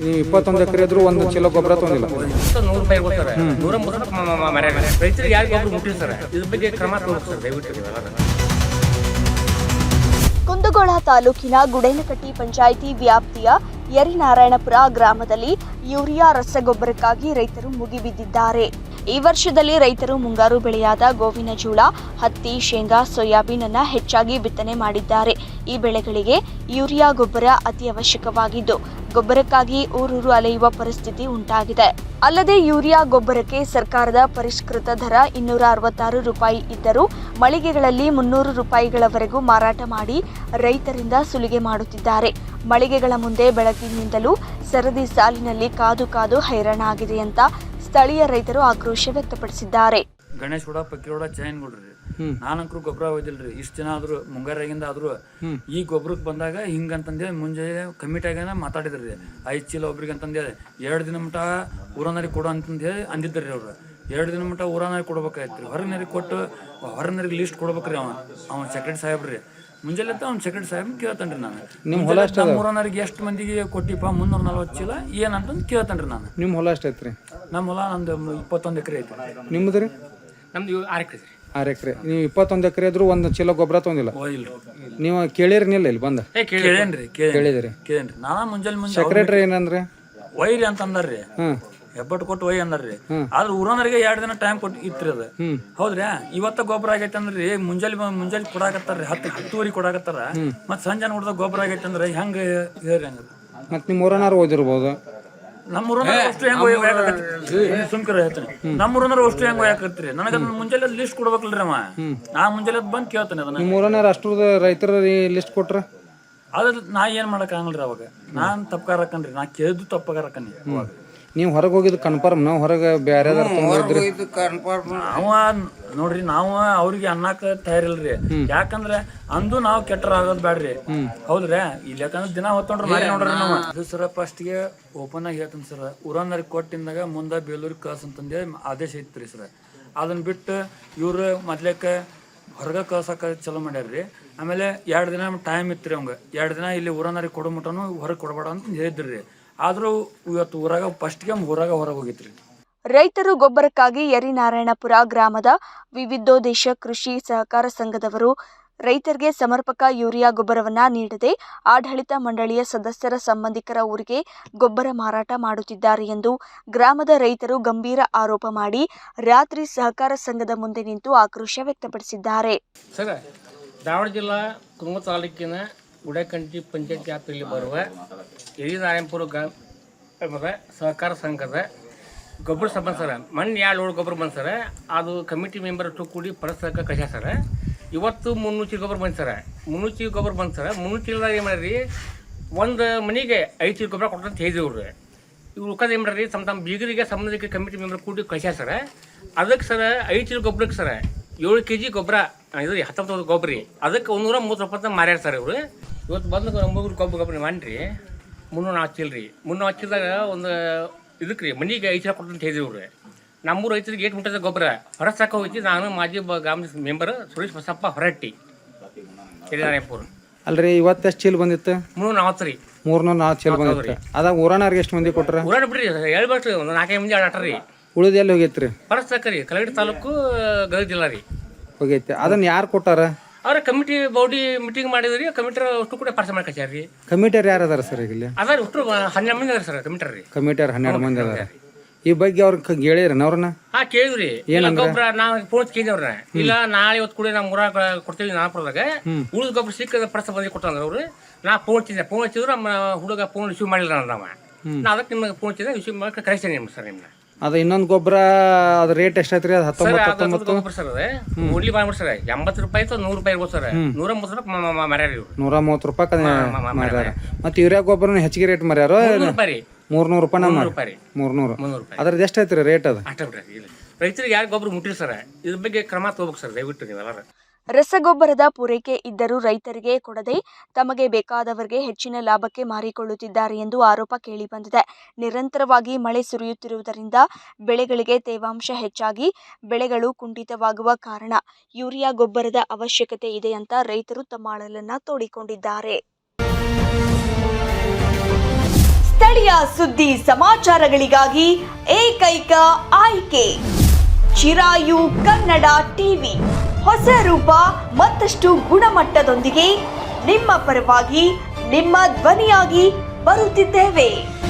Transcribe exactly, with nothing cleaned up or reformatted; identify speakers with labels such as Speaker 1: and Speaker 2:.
Speaker 1: ನೀವು ಇಪ್ಪತ್ತೊಂದು ಎಕರೆ ಇದ್ರು ಒಂದು ಚೀಲ ಗೊಬ್ಬರ ತೊಗೊಂಡಿಲ್ಲ.
Speaker 2: ನೂರು ರೂಪಾಯಿ ಇರ್ಬೋದು ಸರ್, ನೂರ ಮೂವತ್ತು ಮರ ರೈತರಿಗೆ ಯಾರು ಗೊಬ್ಬರ ಮುಟ್ಟಿಲ್ಲ ಸರ್. ಇದ್ರ ಬಗ್ಗೆ ಕ್ರಮ ತಗೋಬೇಕು ಸರ್ ದಯವಿಟ್ಟು.
Speaker 3: ಕುಂದಗೋಳ ತಾಲೂಕಿನ ಗುಡೇನಕಟ್ಟಿ ಪಂಚಾಯಿತಿ ವ್ಯಾಪ್ತಿಯ ಯರಿನಾರಾಯಣಪುರ ಗ್ರಾಮದಲ್ಲಿ ಯೂರಿಯಾ ರಸಗೊಬ್ಬರಕ್ಕಾಗಿ ರೈತರು ಮುಗಿಬಿದ್ದಿದ್ದಾರೆ. ಈ ವರ್ಷದಲ್ಲಿ ರೈತರು ಮುಂಗಾರು ಬೆಳೆಯಾದ ಗೋವಿನ ಜೋಳ, ಹತ್ತಿ, ಶೇಂಗಾ, ಸೋಯಾಬೀನ್ ಅನ್ನ ಹೆಚ್ಚಾಗಿ ಬಿತ್ತನೆ ಮಾಡಿದ್ದಾರೆ. ಈ ಬೆಳೆಗಳಿಗೆ ಯೂರಿಯಾ ಗೊಬ್ಬರ ಅತಿ ಅವಶ್ಯಕವಾಗಿದ್ದು ಗೊಬ್ಬರಕ್ಕಾಗಿ ಊರೂರು ಅಲೆಯುವ ಪರಿಸ್ಥಿತಿ ಉಂಟಾಗಿದೆ. ಅಲ್ಲದೆ ಯೂರಿಯಾ ಗೊಬ್ಬರಕ್ಕೆ ಸರ್ಕಾರದ ಪರಿಷ್ಕೃತ ದರ ಇನ್ನೂರ ಅರವತ್ತಾರು ರೂಪಾಯಿ ಇದ್ದರೂ ಮಳಿಗೆಗಳಲ್ಲಿ ಮುನ್ನೂರು ರೂಪಾಯಿಗಳವರೆಗೂ ಮಾರಾಟ ಮಾಡಿ ರೈತರಿಂದ ಸುಲಿಗೆ ಮಾಡುತ್ತಿದ್ದಾರೆ. ಮಳಿಗೆಗಳ ಮುಂದೆ ಬೆಳಗ್ಗಿನಿಂದಲೂ ಸರದಿ ಸಾಲಿನಲ್ಲಿ ಕಾದು ಕಾದು ಹೈರಾಣಾಗಿದೆ ಅಂತ ಸ್ಥಳೀಯ ರೈತರು ಆಕ್ರೋಶ ವ್ಯಕ್ತಪಡಿಸಿದ್ದಾರೆ.
Speaker 4: ಗಣೇಶ್ ಕೂಡ ಪಕ್ಕಿರೋಡ ಚೈನ್ ಕೊಡ್ರಿ, ನಾನಂಕರು ಗೊಬ್ಬರ ಹೋಯ್ದಿಲ್ರಿ. ಇಷ್ಟು ಜನ ಆದ್ರು ಮುಂಗಾರಾಗಿಂದ ಆದ್ರು ಈ ಗೊಬ್ಬರಕ್ಕೆ ಬಂದಾಗ ಹಿಂಗಂತಂದೇ ಮುಂಜಾನೆ ಕಮಿಟಿಯಾಗ ಮಾತಾಡಿದ್ರಿ. ಐದು ಚೀಲ ಒಬ್ರಿಗೆ ಅಂತಂದೇಳಿ ಎರಡು ದಿನ ಮಟ್ಟ ಊರನರಿಗೆ ಕೊಡು ಅಂತಂದೇಳಿ ಅಂದಿದ್ರಿ ಅವ್ರು. ಎರಡು ದಿನ ಮಟ್ಟ ಊರನರಿಗೆ ಕೊಡ್ಬೇಕಾಯ್ತು. ಹೊರನರಿಗೆ ಕೊಟ್ಟು ಹೊರನರಿಗೆ ಲಿಸ್ಟ್ ಕೊಡ್ಬೇಕ್ರಿ. ಅವ ಅವ್ನ ಸೆಕ್ರೆಟರಿ ಸಾಹೇಬ್ರಿ ಮುಂಜಾನೆ ಅವ್ನ ಸೆಕ್ರೆಟರಿ ಸಾಹೇಬ್ ಕೇಳ್ತೇನ್ರಿ ನಾನು. ನಿಮ್ಮ ಹೊಲ ಊರನರಿಗೆ ಎಷ್ಟು ಮಂದಿಗೆ ಕೊಟ್ಟಿಪ್ಪ ಮುನ್ನೂರ ನಲ್ವತ್ತು ಚೀಲ ಏನಂತಂದು ಕೇಳ್ತೇನ್ರಿ ನಾನು.
Speaker 1: ನಿಮ್ಮ ಹೊಲ ಎಷ್ಟು ಐತ್ರಿ?
Speaker 4: ನಮ್ಮ ಹೊಲ ನಮ್ದು ಇಪ್ಪತ್ತೊಂದು ಎಕರೆ ಐತಿ.
Speaker 1: ನಿಮ್ದು ರೀ?
Speaker 2: ನಮ್ದು ಆರು ಎಕರೆ
Speaker 1: ಆರು ಎಕರೆ. ನೀವು ಇಪ್ಪತ್ತೊಂದು ಎಕರೆ ಇದ್ರು ಒಂದು ಚೀಲ ಗೊಬ್ಬರ ತೊಗೊಂಡಿಲ್ಲ. ನೀವು ಕೇಳಿರಿನಿಲ್ಲ ಇಲ್ಲಿ ಬಂದ?
Speaker 4: ಕೇಳೇನ್ರಿ
Speaker 1: ಕೇಳಿದ್ರಿ?
Speaker 4: ಕೇಳೇನ್ರಿ. ನಾನ ಮುಂಜಾನೆ ಮುಂಜಾನೆ
Speaker 1: ಸೆಕ್ರೆಟರಿ ಏನಂದ್ರೆ
Speaker 4: ಒಯ್ರಿ ಅಂತ ಅಂದಾರ್ರಿ. ಹೆಬ್ಬಟ್ಟು ಕೊಟ್ಟು ಒಯ್ ಅಂದಾರ್ರಿ. ಆದ್ರೆ ಊರನರಿಗೆ ಎರಡು ದಿನ ಟೈಮ್ ಕೊಟ್ಟು ಇತ್ರಿ ಅದ. ಹೌದ್ರಿ. ಇವತ್ತ ಗೊಬ್ಬರ ಆಗೈತೆ ಅಂದ್ರಿ ಮುಂಜಾನೆ ಮುಂಜಾನೆ ಕೊಡಾಕತ್ತಾರ್ರಿ. ಹತ್ತು ಹತ್ತುವರೆ ಕೊಡಾಕತ್ತಾರ. ಮತ್ ಸಂಜೆ ನೋಡಿದಾಗ ಗೊಬ್ಬರ ಆಗೈತೆ ಅಂದ್ರೆ ಹೆಂಗ ಹೇಳ್ರಿ ಹಂಗ. ಮತ್
Speaker 1: ನಿಮ್ ಊರನಾರು ಓದಿರ್ಬೋದು.
Speaker 4: ನಮ್ಮ ಊರನಾರ ಅಷ್ಟು ಹೆಂಗ್ ಸುಮ್ಕರ ಹೇಳ್ತಾನೆ. ನಮ್ಮ ಊರನಾರ ಅಷ್ಟು ಹೆಂಗ್ ಒಯ್ಯಾಕತ್ರಿ. ನನಗ ಮುಂಜಾನೆ ಲಿಸ್ಟ್ ಕೊಡ್ಬೇಕಲ್ರಿ ಅವ. ನಾ ಮುಂಜಾನೆ ಬಂದ್ ಕೇಳ್ತಾನೆ ಅದನ್ನ.
Speaker 1: ನಿಮ್ ಊರನಾರ ಅಷ್ಟು ರೈತರ ಲಿಸ್ಟ್ ಕೊಟ್ರ
Speaker 4: ಅದ್ರ ನಾ ಏನ್ ಮಾಡಕ್ ಆಗಲ್ರಿ ಅವಾಗ. ನಾನ್ ತಪ್ಪಾರಕನ್ರಿ. ನಾ ಕೇಳಿದ್ದು ತಪ್ಪಾರಕನ್ನಿ. ಅವಾಗ
Speaker 1: ನೀವು ಹೊರಗೆ ಹೋಗಿದ್ದು ಕನ್ಫರ್ಮ್. ನಾವು ಹೊರಗೆ ಬೇರೆ
Speaker 4: ಅವ ನೋಡ್ರಿ ನಾವು ಅವ್ರಿಗೆ ಅನ್ನಕ್ ತಯಾರಿಲ್ರಿ. ಯಾಕಂದ್ರೆ ಅಂದು ನಾವು ಕೆಟ್ಟರ ಆಗೋದ್ ಬ್ಯಾಡ್ರಿ. ಹೌದ್ರಿ. ಇಲ್ಲಿ ಯಾಕಂದ್ರೆ ದಿನ ಹೊತ್ತೊಂಡ್ರ ಮಾಡಿ ನೋಡ್ರಿ ನಾವು. ಅದು ಸರ ಫಸ್ಟ್ ಗೆ ಓಪನ್ ಆಗಿ ಹೇಳ್ತೀನಿ ಸರ್. ಊರನ್ನರಿಗೆ ಕೊಟ್ಟಿಂದಾಗ ಮುಂದೆ ಬೇಲೂರಿಗೆ ಕಳ್ಸ ಅಂತಂದೇ ಆದೇಶ ಐತ್ರಿ ಸರ್. ಅದನ್ನ ಬಿಟ್ಟು ಇವ್ರು ಮೊದ್ಲೇಕ ಹೊರಗೆ ಕಳ್ಸಕ ಚಲೋ ಮಾಡ್ಯಾರ್ರಿ. ಆಮೇಲೆ ಎರಡು ದಿನ ಟೈಮ್ ಇತ್ರಿ ಅವಂಗ. ಎರಡು ದಿನ ಇಲ್ಲಿ ಊರನ್ನರಿಗೆ ಕೊಡೋ ಮಟನು ಹೊರಗೆ ಕೊಡಬೇಡ ಅಂತ ಹೇಳಿದ್ರಿ. ಆದ್ರೂ ಇವತ್ತು ಊರಾಗ ಫಸ್ಟ್ಗೆ ಊರಾಗ ಹೊರಗೆ ಹೋಗಿತ್ರಿ.
Speaker 3: ರೈತರು ಗೊಬ್ಬರಕ್ಕಾಗಿ ಯರಿನಾರಾಯಣಪುರ ಗ್ರಾಮದ ವಿವಿಧೋದ್ದೇಶ ಕೃಷಿ ಸಹಕಾರ ಸಂಘದವರು ರೈತರಿಗೆ ಸಮರ್ಪಕ ಯೂರಿಯಾ ಗೊಬ್ಬರವನ್ನ ನೀಡದೆ ಆಡಳಿತ ಮಂಡಳಿಯ ಸದಸ್ಯರ ಸಂಬಂಧಿಕರ ಊರಿಗೆ ಗೊಬ್ಬರ ಮಾರಾಟ ಮಾಡುತ್ತಿದ್ದಾರೆ ಎಂದು ಗ್ರಾಮದ ರೈತರು ಗಂಭೀರ ಆರೋಪ ಮಾಡಿ ರಾತ್ರಿ ಸಹಕಾರ ಸಂಘದ ಮುಂದೆ ನಿಂತು ಆಕ್ರೋಶ ವ್ಯಕ್ತಪಡಿಸಿದ್ದಾರೆ.
Speaker 2: ಸರ್, ಧಾರವಾಡ ಜಿಲ್ಲಾ ಕುಂದಗೋಳ ತಾಲೂಕಿನ ಗುಡೇನಕಟ್ಟಿ ಪಂಚಾಯತ್ ವ್ಯಾಪ್ತಿಯಲ್ಲಿ ಬರುವ ಯರಿನಾರಾಯಣಪುರ ಗ್ರಾಮದ ಸಹಕಾರ ಸಂಘದ ಗೊಬ್ಬರ ಸಂಬಂಧ ಸರ ಮಣ್ಣು ಎರಡು ಲೋಡ್ ಗೊಬ್ಬರ ಬಂದು ಸರ. ಅದು ಕಮಿಟಿ ಮೆಂಬರ್ ಅಷ್ಟು ಕೂಡಿ ಪರಸ್ಪರ ಕಳ್ಸ್ಯಾರ ಸರ. ಇವತ್ತು ಮುನ್ನೂರು ಚೀಲ ಗೊಬ್ಬರ ಬಂದು ಸರ. ಮುನ್ನೂರು ಚೀಲ ಗೊಬ್ಬರ ಬಂದು ಸರ. ಮುನ್ನೂರು ಚೀಲದಾಗ ಏನು ಮಾಡ್ರಿ, ಒಂದು ಮನೆಗೆ ಐದು ಚೀಲ ಗೊಬ್ಬರ ಕೊಟ್ಟಂತ ಹೇಳಿದ್ರು. ಇವ್ರು ಉಳ್ಕದ ಏನು ಮಾಡ್ರಿ, ತಮ್ಮ ತಮ್ಮ ಬೀಗರಿಗೆ ಸಂಬಂಧಿಕ ಕಮಿಟಿ ಮೆಂಬರ್ ಕೂಡಿ ಕಳ್ಸ್ಯಾರ ಸರ. ಅದಕ್ಕೆ ಸರ ಐದು ಚೀಲ ಗೊಬ್ಬರಕ್ಕೆ ಸರ ಏಳು ಕೆ ಜಿ ಗೊಬ್ಬರ ಇದು ಹತ್ತೊಂಬತ್ತು ಗೊಬ್ಬರ ರೀ. ಅದಕ್ಕೆ ಒಂದೂರ ಮೂವತ್ತು ರೂಪಾಯಿ ಮಾರ್ಯಾರ ಸರ್ ಇವರು. ಇವತ್ತು ಬಂದು ಒಂಬತ್ತು ಗೊಬ್ಬರ ಗೊಬ್ಬರ ಮಾಡ್ರಿ ಮುನ್ನೂರ ನಾಲ್ಕು ಚೀಲ ರೀ. ಮುನ್ನೂರ ನಾಲ್ಕು ಚೀಲದಾಗ ಒಂದು ಇದಕ್ಕೆ ರೀ ಮನೆಗೆ ಐದು ಚೀಲ ಕೊಟ್ಟಂತ ಹೇಳಿದ್ರು. ನಮ್ಮೂರು ರೈತರಿಗೆ ಏಟ್ ಮುಟ್ಟದ ಗೊಬ್ಬರ ಹೊರ ಸಾಕ ಹೋಯ್ತಿ. ನಾನು ಮಾಜಿ ಗ್ರಾಮದ ಮೆಂಬರ್ ಸುರೇಶ್ ಬಸಪ್ಪ ಹೊರಟ್ಟಿ ಯರಿನಾರಾಯಣಪುರ.
Speaker 1: ಅಲ್ರಿ, ಇವತ್ತು ಎಷ್ಟು ಚೀಲ ಬಂದಿತ್ತು?
Speaker 2: ಮುನ್ನೂರ ನಲ್ವತ್ತು ರೀ.
Speaker 1: ಮೂರ್ನೂರ ನಾಲ್ಕು ಚೀಲ ಬಂದಿತ್ತು. ಅದಾಗ ಊರನಾರ್ಗೆ ಎಷ್ಟು ಮಂದಿ ಕೊಟ್ರ?
Speaker 2: ಊರಾಡ ಬಿಡ್ರಿ ಹೇಳ್ಬೇಕ್ರಿ, ಒಂದು ನಾಲ್ಕೈದು ಮಂದಿ ಆಟ ರೀ.
Speaker 1: ಉಳಿದ ಎಲ್ಲಿ ಹೋಗೈತ್ರಿ?
Speaker 2: ಹೊರಸಾಕ ರೀ, ಕಲಗಡಿ ತಾಲೂಕು ಗದಗ ಜಿಲ್ಲಾ ರೀ
Speaker 1: ಹೋಗೈತಿ. ಅದನ್ನ ಯಾರು ಕೊಟ್ಟಾರ?
Speaker 2: ಅವ್ರ ಕಮಿಟಿ ಬಾಡಿ ಮೀಟಿಂಗ್ ಮಾಡಿದ್ರಿ. ಕಮಿಟರ್ ಅಷ್ಟು ಕೂಡ ಪಾರ್ಸಲ್ ಮಾಡಿ ಕಳ್ಸ್ಯಾರ ರೀ.
Speaker 1: ಕಮಿಟಿಯರ್ ಯಾರು ಅದಾರ ಸರ್ ಇಲ್ಲಿ?
Speaker 2: ಅದಾರ ಅಷ್ಟು ಹನ್ನೆರಡು ಮಂದಿ ಅದಾರ ಸರ್ ಕಮಿಟರ್ ರೀ.
Speaker 1: ಕಮಿಟಿಯರ್ ಹನ್ನೆರಡು ಮಂದಿ ಅದಾರ. ಈ ಬಗ್ಗೆ ಅವ್ರ ಹೇಳಿರನ ಅವ್ರನ್ನ?
Speaker 2: ಹಾ ಕೇಳಿದ್ರಿ. ಗೊಬ್ಬರ ನಾವು ಫೋನ್ ಕೇಳಿದವ್ರ ಇಲ್ಲ ನಾಳೆ ಇವತ್ತು ಕೂಡ ನಾವು ಊರಾಗ ಕೊಡ್ತೀವಿ ನಾಲ್ಪುರದಾಗ ಉಳಿದ ಗೊಬ್ಬರ ಸಿಕ್ಕ ಪ್ರಸ ಬಂದಿ ಕೊಟ್ಟಂದ್ರ ಅವ್ರು. ನಾ ಫೋನ್ ಹಚ್ಚಿದ್ದೆ. ಫೋನ್ ಹಚ್ಚಿದ್ರು ನಮ್ಮ ಹುಡುಗ ಫೋನ್ ರಿಸೀವ್ ಮಾಡಿಲ್ಲ ನಾವ. ನಾ ಅದಕ್ಕೆ ನಿಮ್ಗೆ ಫೋನ್ ಹಚ್ಚಿದ್ದೆ, ರಿಸೀವ್ ಮಾಡಿ ಕಳಿಸ್ತೇನೆ ನಿಮ್ಗೆ ಸರ್. ನಿಮ್ನ
Speaker 1: ಅದ ಇನ್ನೊಂದು ಗೊಬ್ಬರ ಅದ ರೇಟ್ ಎಷ್ಟೈತ್ರಿ? ಅದು ಹತ್ತೊಂಬತ್ತು ಹತ್ತೊಂಬತ್ತು
Speaker 2: ಗೊಬ್ಬರ ಸರ್. ಅದ ಉಡ್ಲಿ ಮಾಡ್ಬಿಡ್ ಸರ್. ಎಂಬತ್ತು ರೂಪಾಯಿ ನೂರು ರೂಪಾಯಿ ಇರ್ಬೋದು ಸರ್. ನೂರ ಮೂವತ್ತು ರೂಪಾಯಿ ಮರ್ಯಾರ ಇವ್ರು. ನೂರ
Speaker 1: ಮೂವತ್ತು ರೂಪಾಯಿ ಮರ್ಯಾರ. ಮತ್ತೆ ಯೂರಿಯಾ ಗೊಬ್ಬರ ಹೆಚ್ಚಿಗೆ ರೇಟ್ ಮರ್ಯಾರ. ಮೂರ್ನೂರು ರೂಪಾಯಿ ನಮ್ಮ ಮೂರ್ನೂರು. ಅದ್ರದ್ದು ಎಷ್ಟೈತ್ರಿ ರೇಟ್? ಅದು
Speaker 2: ಅಷ್ಟ ಬಿಡ್ರಿ. ರೈತರಿಗೆ ಯಾರು ಗೊಬ್ಬರ ಮುಟ್ಟಿರಿ ಸರ್. ಇದ್ರ ಬಗ್ಗೆ ಕ್ರಮ ತಗೋಬೇಕು ಸರ್ ದಯವಿಟ್ಟು ನೀವೆಲ್ಲ.
Speaker 3: ರಸಗೊಬ್ಬರದ ಪೂರೈಕೆ ಇದ್ದರೂ ರೈತರಿಗೆ ಕೊಡದೆ ತಮಗೆ ಬೇಕಾದವರಿಗೆ ಹೆಚ್ಚಿನ ಲಾಭಕ್ಕೆ ಮಾರಿಕೊಳ್ಳುತ್ತಿದ್ದಾರೆ ಎಂದು ಆರೋಪ ಕೇಳಿಬಂದಿದೆ. ನಿರಂತರವಾಗಿ ಮಳೆ ಸುರಿಯುತ್ತಿರುವುದರಿಂದ ಬೆಳೆಗಳಿಗೆ ತೇವಾಂಶ ಹೆಚ್ಚಾಗಿ ಬೆಳೆಗಳು ಕುಂಠಿತವಾಗುವ ಕಾರಣ ಯೂರಿಯಾ ಗೊಬ್ಬರದ ಅವಶ್ಯಕತೆ ಇದೆ ಅಂತ ರೈತರು ತಮ್ಮ ಅಳಲನ್ನ ತೋಡಿಕೊಂಡಿದ್ದಾರೆ. ಸ್ಥಳೀಯ ಸುದ್ದಿ ಸಮಾಚಾರಗಳಿಗಾಗಿ ಏಕೈಕ ಆಯ್ಕೆ ಚಿರಾಯು ಕನ್ನಡ ಟಿವಿ. ಹೊಸ ರೂಪ ಮತ್ತಷ್ಟು ಗುಣಮಟ್ಟದೊಂದಿಗೆ ನಿಮ್ಮ ಪರವಾಗಿ ನಿಮ್ಮ ಧ್ವನಿಯಾಗಿ ಬರುತ್ತಿದ್ದೇವೆ.